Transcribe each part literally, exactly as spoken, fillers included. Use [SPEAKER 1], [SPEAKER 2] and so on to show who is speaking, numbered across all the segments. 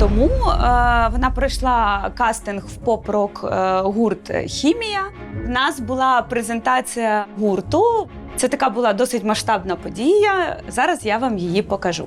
[SPEAKER 1] тому е, вона пройшла кастинг в поп-рок е, гурт «Хімія». У нас була презентація гурту. Це така була досить масштабна подія. Зараз я вам її покажу.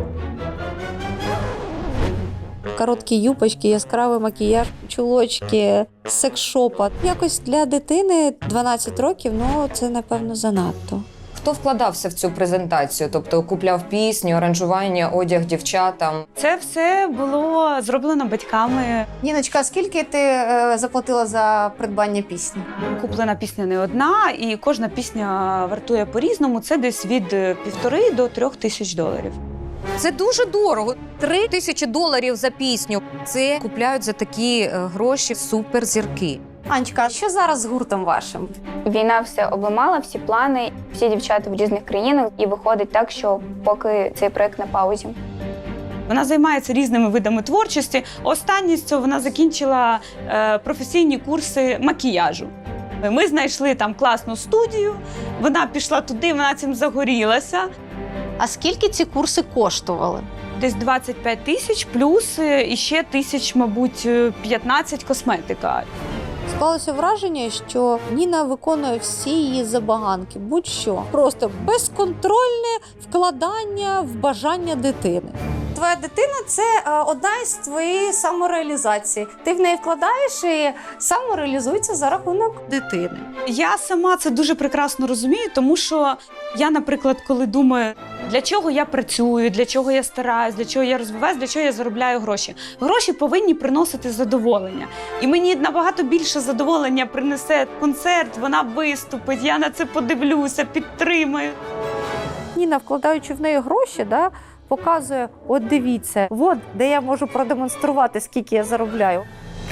[SPEAKER 2] Короткі юбочки, яскравий макіяж, чулочки, секс-шопа. Якось для дитини дванадцять років, ну це, напевно, занадто.
[SPEAKER 3] Хто вкладався в цю презентацію? Тобто купляв пісню, аранжування, одяг дівчатам?
[SPEAKER 1] Це все було зроблено батьками.
[SPEAKER 4] Ніночка, скільки ти е, заплатила за придбання пісні?
[SPEAKER 1] Куплена пісня не одна, і кожна пісня вартує по-різному. Це десь від півтори до трьох тисяч доларів.
[SPEAKER 3] Це дуже дорого. Три тисячі доларів за пісню. Це купляють за такі гроші суперзірки.
[SPEAKER 4] Анечка, а що зараз з гуртом вашим?
[SPEAKER 5] Війна все обламала, всі плани, всі дівчата в різних країнах. І виходить так, що поки цей проект на паузі.
[SPEAKER 1] Вона займається різними видами творчості. Останнє з цього вона закінчила е, професійні курси макіяжу. Ми знайшли там класну студію, вона пішла туди, вона цим загорілася.
[SPEAKER 4] А скільки ці курси коштували?
[SPEAKER 1] Десь двадцять п'ять тисяч, плюс іще тисяч, мабуть, п'ятнадцять косметика.
[SPEAKER 2] Склалося враження, що Ніна виконує всі її забаганки, будь-що. Просто безконтрольне вкладання в бажання дитини.
[SPEAKER 4] Твоя дитина – це е, одна із твоєї самореалізації. Ти в неї вкладаєш і самореалізується за рахунок дитини.
[SPEAKER 1] Я сама це дуже прекрасно розумію, тому що я, наприклад, коли думаю, для чого я працюю, для чого я стараюсь, для чого я розвиваюсь, для чого я заробляю гроші. Гроші повинні приносити задоволення. І мені набагато більше задоволення принесе концерт, вона виступить, я на це подивлюся, підтримаю.
[SPEAKER 2] Ніна, вкладаючи в неї гроші, да, показує, от дивіться, от де я можу продемонструвати, скільки я заробляю.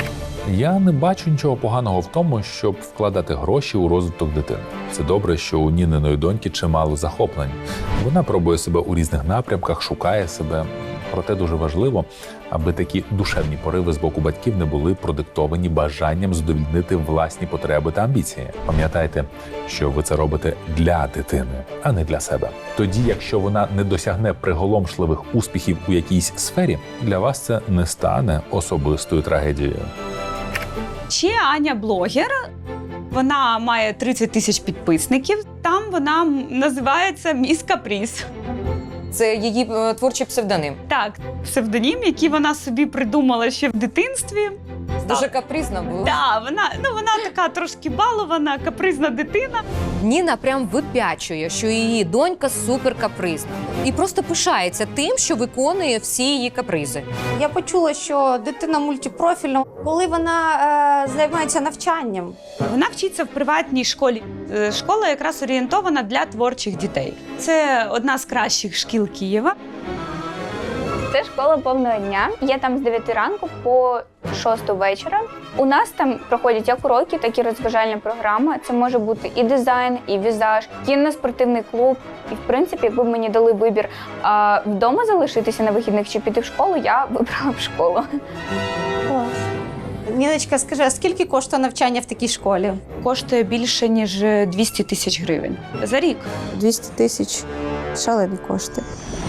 [SPEAKER 6] Я не бачу нічого поганого в тому, щоб вкладати гроші у розвиток дитини. Це добре, що у Ніниної доньки чимало захоплень. Вона пробує себе у різних напрямках, шукає себе. Проте дуже важливо, аби такі душевні пориви з боку батьків не були продиктовані бажанням задовольнити власні потреби та амбіції. Пам'ятайте, що ви це робите для дитини, а не для себе. Тоді, якщо вона не досягне приголомшливих успіхів у якійсь сфері, для вас це не стане особистою трагедією.
[SPEAKER 1] Ще Аня блогер. Вона має тридцять тисяч підписників. Там вона називається «Міс Капріз».
[SPEAKER 3] Це її е, творчий псевдоним.
[SPEAKER 1] Так, псевдонім, який вона собі придумала ще в дитинстві.
[SPEAKER 3] Дуже капризна була.
[SPEAKER 1] Так, вона, ну, вона така трошки балована, капризна дитина.
[SPEAKER 3] Ніна прям випячує, що її донька суперкапризна. І просто пишається тим, що виконує всі її капризи.
[SPEAKER 4] Я почула, що дитина мультипрофільна, коли вона е, займається навчанням.
[SPEAKER 1] Вона вчиться в приватній школі. Е, Школа якраз орієнтована для творчих дітей. Це одна з кращих шкіл Києва.
[SPEAKER 5] Це школа повного дня. Я там з дев'яти ранку по шосту вечора. У нас там проходять як уроки, так і розважальна програма. Це може бути і дизайн, і візаж, кінно-спортивний клуб. І, в принципі, якби мені дали вибір а, вдома залишитися на вихідних чи піти в школу, я вибрала б школу.
[SPEAKER 4] Клас. Ніночка, скажи, а скільки коштує навчання в такій школі?
[SPEAKER 1] Коштує більше, ніж двісті тисяч гривень за рік.
[SPEAKER 2] двісті тисяч – шалені кошти.